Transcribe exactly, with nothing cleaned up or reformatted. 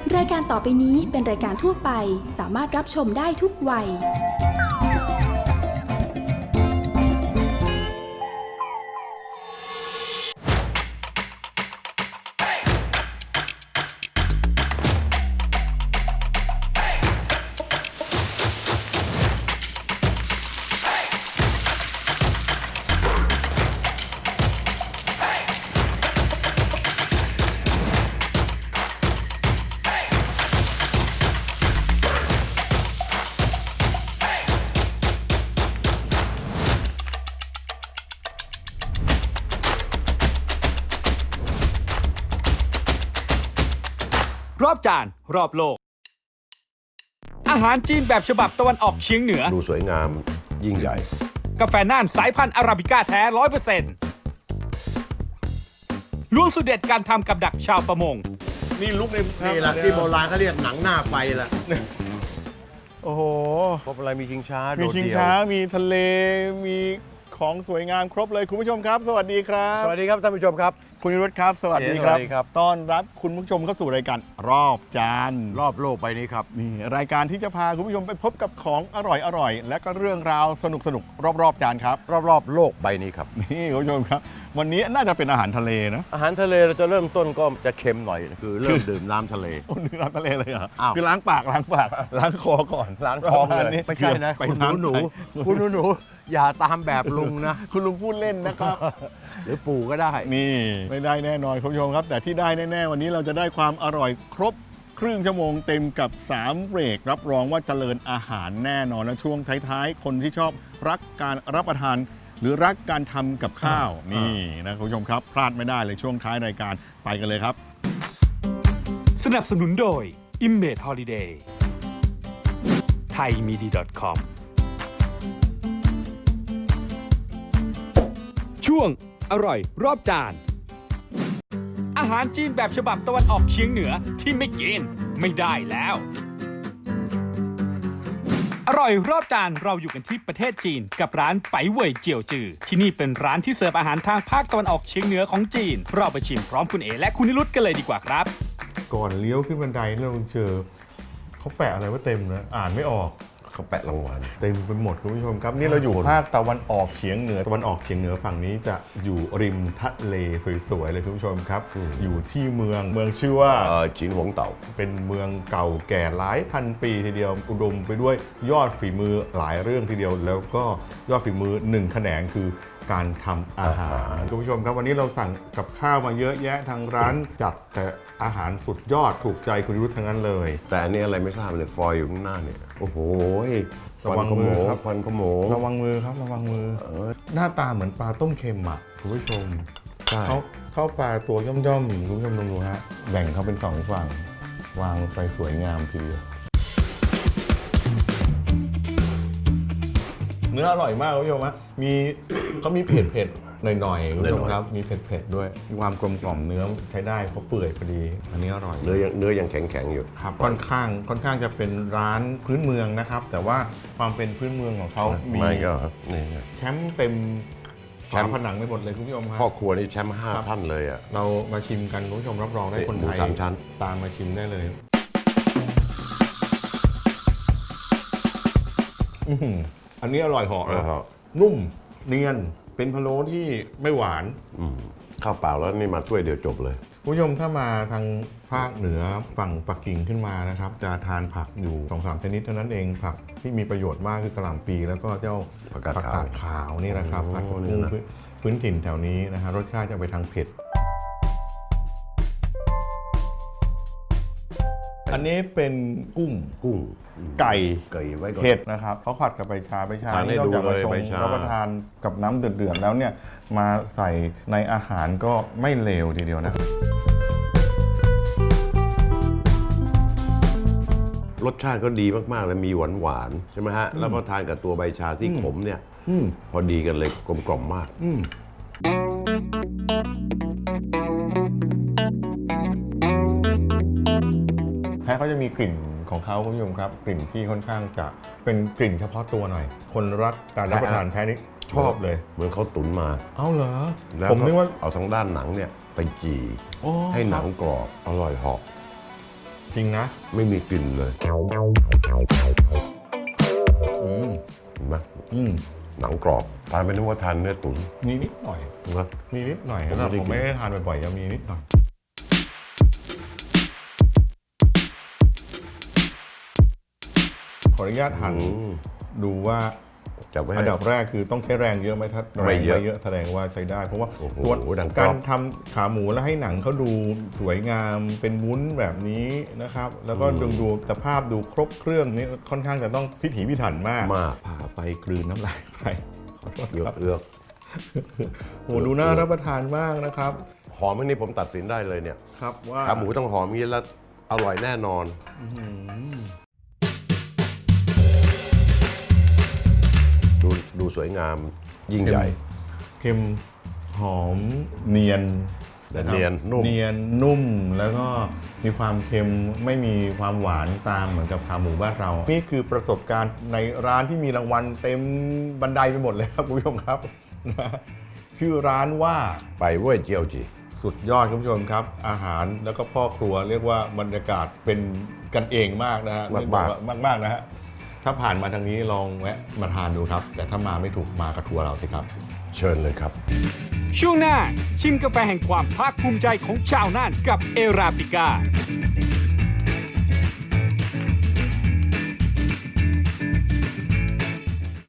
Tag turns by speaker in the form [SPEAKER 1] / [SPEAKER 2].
[SPEAKER 1] รายการต่อไปนี้เป็นรายการทั่วไปสามารถรับชมได้ทุกวัย
[SPEAKER 2] รอบจานรอบโลกอาหารจีนแบบฉบับตะวันออกเฉียงเหนือ
[SPEAKER 3] ดูสวยงามยิ่งใหญ่
[SPEAKER 2] กาแฟน่านสายพันธุ์อาราบิก้าแท้ ร้อยเปอร์เซ็นต์ ล้วงสูตรเด็ดการทำกับดักชาวประมง
[SPEAKER 3] นี่ลุกในนี่แหละที่โบราณเขาเรียกหนังหน้าไฟละ
[SPEAKER 4] โอ้โห
[SPEAKER 3] พบอะไรมีชิงช้า
[SPEAKER 4] มีชิงช้ามีทะเลมีของสวยงามครบเลยคุณผู้ชมครับสวัสดีครับ
[SPEAKER 3] สวัสดีครับท่านผู้ชมครับ
[SPEAKER 4] คุณนิรุตครับสวัสดีครับต้อนรับคุณผู้ชมเข้าสู่รายการรอบจาน
[SPEAKER 3] รอบโลกไปนี้ครับ
[SPEAKER 4] นี่รายการที่จะพาคุณผู้ชมไปพบกับของอร่อยอร่อยและก็เรื่องราวสนุกสนุกรอบๆจานครับ
[SPEAKER 3] รอบๆโลกใบนี้ครับ
[SPEAKER 4] นี่คุณผู้ชมครับวันนี้น่าจะเป็นอาหารทะเลนะ
[SPEAKER 3] อาหารทะเลเราจะเริ่มต้นก็จะเค็มหน่อยคือเริ่มดื่มน้ำทะเล
[SPEAKER 4] ดื่มน้ำทะเลเลยเหรอคือล้างปากล้างปากล้างคอก่อน
[SPEAKER 3] ล้างท้องเลยไม่ใช่นะคุณหนูหนูคุณหนูหนูอย่าตามแบบลุงนะ
[SPEAKER 4] คุณลุงพูดเล่นนะครับ
[SPEAKER 3] หรือปู่ก็ได้
[SPEAKER 4] นี่ไม่ได้แน่นอนคุณผู้ชมครับแต่ที่ได้แน่ๆวันนี้เราจะได้ความอร่อยครบครึ่งชั่วโมงเต็มกับสามเบรกรับรองว่าเจริญอาหารแน่นอนและช่วงท้ายๆคนที่ชอบรักการรับประทานหรือรักการทำกับข้าวนี่นะคุณผู้ชมครับพลาดไม่ได้เลยช่วงท้ายรายการไปกันเลยครับ
[SPEAKER 2] สนับสนุนโดย Image Holiday ไทยมีดี คอม ช่วงอร่อยรอบจานอาหารจีนแบบฉบับตะวันออกเฉียงเหนือที่ไม่กินไม่ได้แล้วอร่อยรอบจานเราอยู่กันที่ประเทศจีนกับร้านไปเว่ยเจียวจือที่นี่เป็นร้านที่เสิร์ฟอาหารทางภาคตะวันออกเฉียงเหนือของจีนเราไปชิมพร้อมคุณเอและคุณนิรุตกันเลยดีกว่าครับ
[SPEAKER 4] ก่อนเลี้ยวขึ้นบันไดเราเจอเขาแปะอะไรว่าเต็มนะอ่านไม่ออก
[SPEAKER 3] เขาแปะรางวัล
[SPEAKER 4] เต็มไปหมดคุณผู้ชมครับนี่เราอยู่ภาคตะวันออกเฉียงเหนือตะวันออกเฉียงเหนือฝั่งนี้จะอยู่ริมทะเลสวยๆเลยคุณผู้ชมครับอยู่ที่เมืองเมืองชื่อว่า
[SPEAKER 3] จินหวงเต่า
[SPEAKER 4] เป็นเมืองเก่าแก่หลายพันปีทีเดียวอุดมไปด้วยยอดฝีมือหลายเรื่องทีเดียวแล้วก็ยอดฝีมือหนึ่งแขนงคือการทำอาหารคุณผู้ชมครับวันนี้เราสั่งกับข้าวมาเยอะแยะทางร้านจัดแต่อาหารสุดยอดถูกใจคุณรุธทั้งนั้นเลย
[SPEAKER 3] แต่อันนี้อะไรไม่ทราบเลยฟอยอยู่ข้างหน้าเนี่ยโอ้โห
[SPEAKER 4] ระวังมือครับ
[SPEAKER 3] ควันขโมง
[SPEAKER 4] ระวังมือครับระวังมือหน้าตาเหมือนปลาต้มเค็มอ่ะคุณผู้ชมเขาเข้าปลาตัวย่อมๆคุณผู้ชมลองดูฮะแบ่งเขาเป็นสองฝั่งวางไปสวยงามทีเดียวเนื้ออร่อยมากคุณผู้ชมฮะมีเขามีเผ็ดเผ็ดหน่อยๆคุณผู้ชมครับมีเผ็ดๆด้วยความกลมกล่อมเนื้อใช้ได้เขาเปื่อยพอดีอันนี้อร่อย
[SPEAKER 3] เนื้อยังเนื้อยังแข็งๆอยู่
[SPEAKER 4] ครับค่อนข้างค่อนข้างจะเป็นร้านพื้นเมืองนะครับแต่ว่าความเป็นพื้นเมืองของเขามีแชมป์เต็มฝาผนังไปหมดเลยคุณผู้ชมครับ
[SPEAKER 3] พ่อครัวนี่แชมป์ห้าท่านเลยอ่ะ
[SPEAKER 4] เรามาชิมกันคุณผู้ชมรับรองได้คนไทย
[SPEAKER 3] สามชั้น
[SPEAKER 4] ตามมาชิมได้เลยอันนี้อร่อยเหาะเลยนุ่มเนียนเป็นพะโล้ที่ไม่หวาน
[SPEAKER 3] ข้าวเปล่าแล้วนี่มาถ้วยเดียวจบเลย
[SPEAKER 4] ผู้ชมถ้ามาทางภาคเหนือฝั่งปักกิ่งขึ้นมานะครับจะทานผักอยู่ สองสาม ชนิดเท่านั้นเองผักที่มีประโยชน์มากคือกะหล่ำปีแล้วก็เจ้าผักกาดขาวนี่นะครับผักกุ้งพื้นถิ่นแถวนี้นะฮะรสชาติจะไปทางเผ็ดอันนี้เป็นกุ้ง
[SPEAKER 3] กุ้ง
[SPEAKER 4] ไก่
[SPEAKER 3] ไก่ไว้ก่อน
[SPEAKER 4] เผ็ดนะครับเขาผัดกับใบชาใบชาที่เราจะมาชงรับประทานกับน้ำเดือดๆแล้วเนี่ยมาใส่ในอาหารก็ไม่เลวทีเดียวนะ
[SPEAKER 3] รสชาติก็ดีมากๆเลยมีหวานหวานใช่ไหมฮะแล้วก็ทานกับตัวใบชาที่ขมเนี่ยพอดีกันเลยกลมกล่อมมาก
[SPEAKER 4] แพ้เขาจะมีกลิ่นของเขาคุณผู้ชมครับกลิ่นที่ค่อนข้างจะเป็นกลิ่นเฉพาะตัวหน่อยคนรักการรับประทานแพ้นี่ชอบเลย
[SPEAKER 3] เหมือนเขาตุ๋นมา
[SPEAKER 4] เอ้าเหรอ
[SPEAKER 3] ผมนึกว่าเอาทางด้านหนังเนี่ยไปจี่ให้หนังกรอบอร่อยหอม
[SPEAKER 4] จริงนะ
[SPEAKER 3] ไม่มีกลิ่นเลย
[SPEAKER 4] อืม
[SPEAKER 3] เห็นไหม
[SPEAKER 4] อืม
[SPEAKER 3] หนังกรอบทานไปนึกว่าทานเนื้อตุ๋น
[SPEAKER 4] มีนิดหน่อย
[SPEAKER 3] นะ
[SPEAKER 4] มีนิดหน่อย
[SPEAKER 3] ผม
[SPEAKER 4] แต่
[SPEAKER 3] ไม่ได้
[SPEAKER 4] ผมไม่ได้ทานบ่อยๆยังมีนิดหน่อยขออนุญาตหั่น
[SPEAKER 3] อืม
[SPEAKER 4] ดูว่า
[SPEAKER 3] จับไว้
[SPEAKER 4] อั
[SPEAKER 3] ให้
[SPEAKER 4] นดับแรกคือต้องใช้แรงเยอะไหมถ้าแร
[SPEAKER 3] ไม่
[SPEAKER 4] ง
[SPEAKER 3] เยอะ
[SPEAKER 4] ไม่เยอะแสดงว่าใช้ได้ เพราะว่า
[SPEAKER 3] โอ้โห
[SPEAKER 4] ตัว
[SPEAKER 3] ดังกรอบ
[SPEAKER 4] การทำขาหมูแล้วให้หนังเขาดูสวยงามเป็นวุ้นแบบนี้นะครับ แล้วก็ดูดูสภาพดูครบเครื่องนี่ค่อนข้างจะต้องพิถีพิถันมาก
[SPEAKER 3] มาก
[SPEAKER 4] ผ่าไปกลืนน้ำลายไปขอโทษ
[SPEAKER 3] เอือ
[SPEAKER 4] ค
[SPEAKER 3] ก
[SPEAKER 4] รับ
[SPEAKER 3] เอือก
[SPEAKER 4] โอ้ดูน่ารับประทานมากนะครับ
[SPEAKER 3] หอมอันนี้ผมตัดสินได้เลยเนี่ย
[SPEAKER 4] ครับว่า
[SPEAKER 3] ขาหมูต้องหอมอย่างนี้แล้วอร่อยแน่นอน
[SPEAKER 4] อื้อหือ
[SPEAKER 3] ดูดูสวยงามยิ่งใหญ่
[SPEAKER 4] เค็มหอมเนียน
[SPEAKER 3] แต่เนียนนุ่ม
[SPEAKER 4] เนียนนุ่มแล้วก็มีความเค็มไม่มีความหวานตามเหมือนกับขาหมูบ้านเรา นี่คือประสบการณ์ในร้านที่มีรางวัลเต็มบันไดไปหมดเลยครับคุณผู้ชมครับ นะชื่อร้านว่า
[SPEAKER 3] ไปเว้ยเจียวจี
[SPEAKER 4] สุดยอดคุณผู้ชมครับ อาหารแล้วก็พ่อครัวเรียกว่าบรรยากาศเป็นกันเองมากนะฮะ
[SPEAKER 3] มากๆ
[SPEAKER 4] มากมากๆนะฮะถ้าผ่านมาทางนี้ลองแวะมาทานดูครับ แต่ถ้ามาไม่ถูกมากระทัวร์เราสิครับ
[SPEAKER 3] เชิญเลยครับ
[SPEAKER 2] ช่วงหน้าชิมกาแฟแห่งความภาคภูมิใจของชาวน่านกับเอราปิก้า